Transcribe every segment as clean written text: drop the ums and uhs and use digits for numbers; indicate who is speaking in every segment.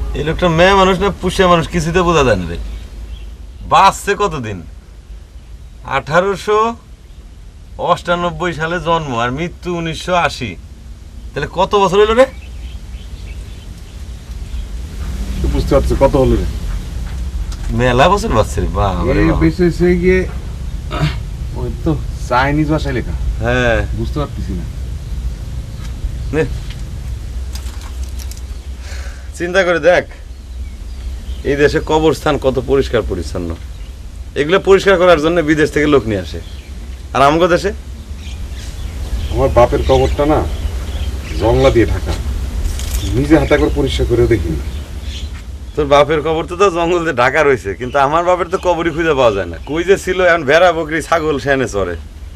Speaker 1: এই লোকটা মেয়ে মানুষ না পুষিয়া মানুষ কিছুতে বোঝা যায় না রে। বাঁচছে কতদিন? 1898 সালে জন্ম আর মৃত্যু 1980। তাহলে কত বছর হইল রে?
Speaker 2: বুঝতে পারছো কত হলো রে?
Speaker 1: মেলা বছর বাঁচছে রে। বাবা
Speaker 2: বেঁচেছে গিয়ে ওই তো চাইনিজ ভাষায় লেখা।
Speaker 1: হ্যাঁ,
Speaker 2: বুঝতে পারতেছি না।
Speaker 1: নে চিন্তা করে দেখ, এই দেশে কবরস্থান কত পরিষ্কার পরিচ্ছন্ন। এগুলো পরিষ্কার করার জন্য বিদেশ থেকে লোক নিয়ে আসে। আর আমাদের দেশে
Speaker 2: আমার বাপের কবরটা না জংলা দিয়ে ঢাকা, নিজে হাতে করে পরিষ্কার করে দেখিনি।
Speaker 1: তোর বাপের কবর তো জঙ্গল দিয়ে ঢাকা রয়েছে, কিন্তু আমার বাপের তো কবরই খুঁজে পাওয়া যায় না। কই যে ছিল, এখন ভেড়া বকরি ছাগল সেনে চড়ে।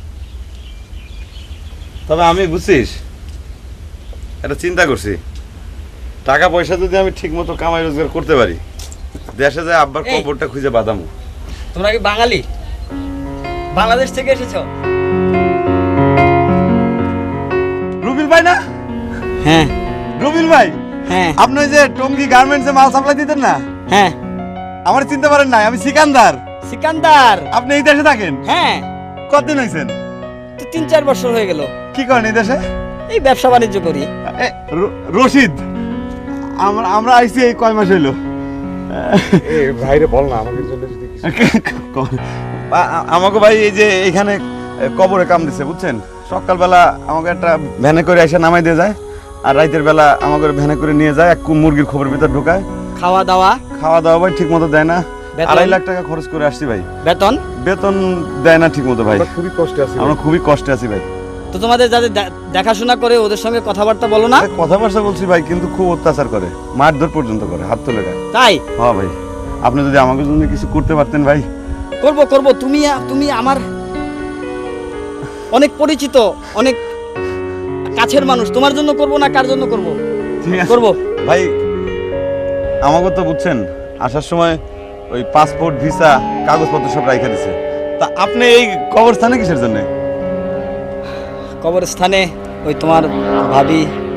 Speaker 1: তবে আমি বুঝছিস একটা চিন্তা করছি, টাকা পয়সা যদি আমি ঠিক মতো কামাই রোজগার করতে পারি, দেশে যায় আব্বার কবরটা খুঁজে বাঁধামু।
Speaker 3: তোমরা কি বাঙালি? বাংলাদেশ থেকে এসেছো?
Speaker 1: রুবিল ভাই না?
Speaker 3: হ্যাঁ
Speaker 1: রুবিল ভাই,
Speaker 3: হ্যাঁ
Speaker 1: আপনি ওই যে টঙ্গী গার্মেন্টসে মাল সাপ্লাই দিতেন না?
Speaker 3: হ্যাঁ।
Speaker 1: আমার চিনতে পারেন নাই? আমি সিকান্দার।
Speaker 3: সিকান্দার?
Speaker 1: আপনি এই দেশে থাকেন?
Speaker 3: হ্যাঁ।
Speaker 1: কতদিন হয়েছেন?
Speaker 3: তো 3-4 বছর হয়ে গেল।
Speaker 1: কি করেন এই দেশে?
Speaker 3: এই ব্যবসা বাণিজ্য করি।
Speaker 1: রশিদ, আমরা আইছি এই কয় মাস হইলো।
Speaker 2: এ ভাইরে বল না আমাদের জন্য যদি
Speaker 1: আমাকে ভাই এই যে এখানে কবরে কাম দিছে বুঝছেন। সকালবেলা আমাকে একটা ভ্যানে করে এসে নামাই দিয়ে যায়, আর রাতের বেলা আমাকে ভ্যানে করে নিয়ে যায়, এক মুরগির খবর ভিতর ঢোকায়।
Speaker 3: খাওয়া দাওয়া?
Speaker 1: খাওয়া দাওয়া ভাই ঠিক মতো দেয় না।
Speaker 3: বেতন?
Speaker 1: 2.5 লাখ টাকা খরচ করে আসছি ভাই।
Speaker 3: বেতন?
Speaker 1: বেতন দেয় না ঠিক মতো ভাই।
Speaker 2: আমরা খুবই কষ্টে আছি।
Speaker 1: আমরা খুবই কষ্টে আছি ভাই।
Speaker 3: তো তোমাদের যাদের দেখাশোনা করে ওদের সঙ্গে কথাবার্তা বলো না?
Speaker 1: কথাবার্তা বলছি ভাই, কিন্তু খুব অত্যাচার করে, মারধর পর্যন্ত করে, হাত তুলে দেয়।
Speaker 3: তাই?
Speaker 1: হ্যাঁ ভাই, আপনি যদি আমাকে জন্য কিছু করতে পারতেন ভাই।
Speaker 3: করব করব। তুমি আমার অনেক পরিচিত, অনেক কাছের মানুষ। তোমার জন্য করব না কার জন্য করব?
Speaker 1: ঠিক আছে
Speaker 3: করব
Speaker 1: ভাই। আমাকে তো বুঝছেন আসার সময় ওই পাসপোর্ট ভিসা কাগজপত্র সব রাইখা দিছে। তা আপনি এই কবরস্থানে কিসের জন্য?
Speaker 3: কবরস্থানে ওই তোমার ভাবি।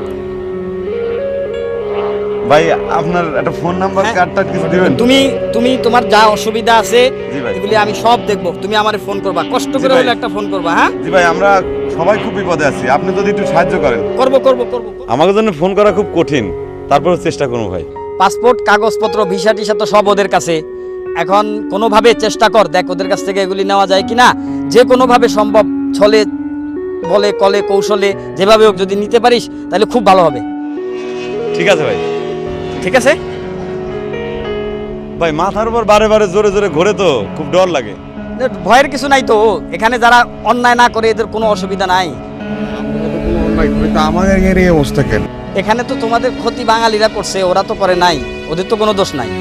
Speaker 1: ভাই আপনার একটা ফোন নাম্বার কার্ডটা কিছু দিবেন?
Speaker 3: তুমি তোমার যা অসুবিধা আছে
Speaker 1: জি ভাই।
Speaker 3: এগুলি আমি সব দেখব। তুমি আমারে ফোন করবা, কষ্ট
Speaker 1: জি
Speaker 3: করে
Speaker 1: ভাই।
Speaker 3: হলে একটা ফোন করবা। হ্যাঁ
Speaker 1: জি ভাই, আমরা সবাই খুব বিপদে আছি, আপনি যদি একটু সাহায্য করেন।
Speaker 3: করব করব করব।
Speaker 1: আমাকে জন্য ফোন করা খুব কঠিন, তারপরেও চেষ্টা করবো ভাই।
Speaker 3: পাসপোর্ট কাগজপত্র ভিসা টিসা তো সব ওদের কাছে। এখন কোনোভাবে চেষ্টা কর, দেখ ওদের কাছ থেকে এগুলি নেওয়া যায় কিনা। যে কোনোভাবে সম্ভব, ছলে বলে কলে কৌশলে যেভাবে হোক যদি নিতে পারিস তাহলে খুব ভালো হবে।
Speaker 1: ঠিক আছে ভাই।
Speaker 3: ঠিক আছে
Speaker 1: ভাই মাথার উপর বারে বারে জোরে জোরে ঘোরে তো খুব ডর লাগে।
Speaker 3: ভয়ের কিছু নাই তো, এখানে যারা অন্যায় না করে এদের কোনো অসুবিধা নাই।
Speaker 2: আমাদের এই অবস্থা কেন?
Speaker 3: এখানে তো তোমাদের ক্ষতি বাঙালিরা করছে, ওরা তো করে নাই, ওদের তো কোনো দোষ নাই।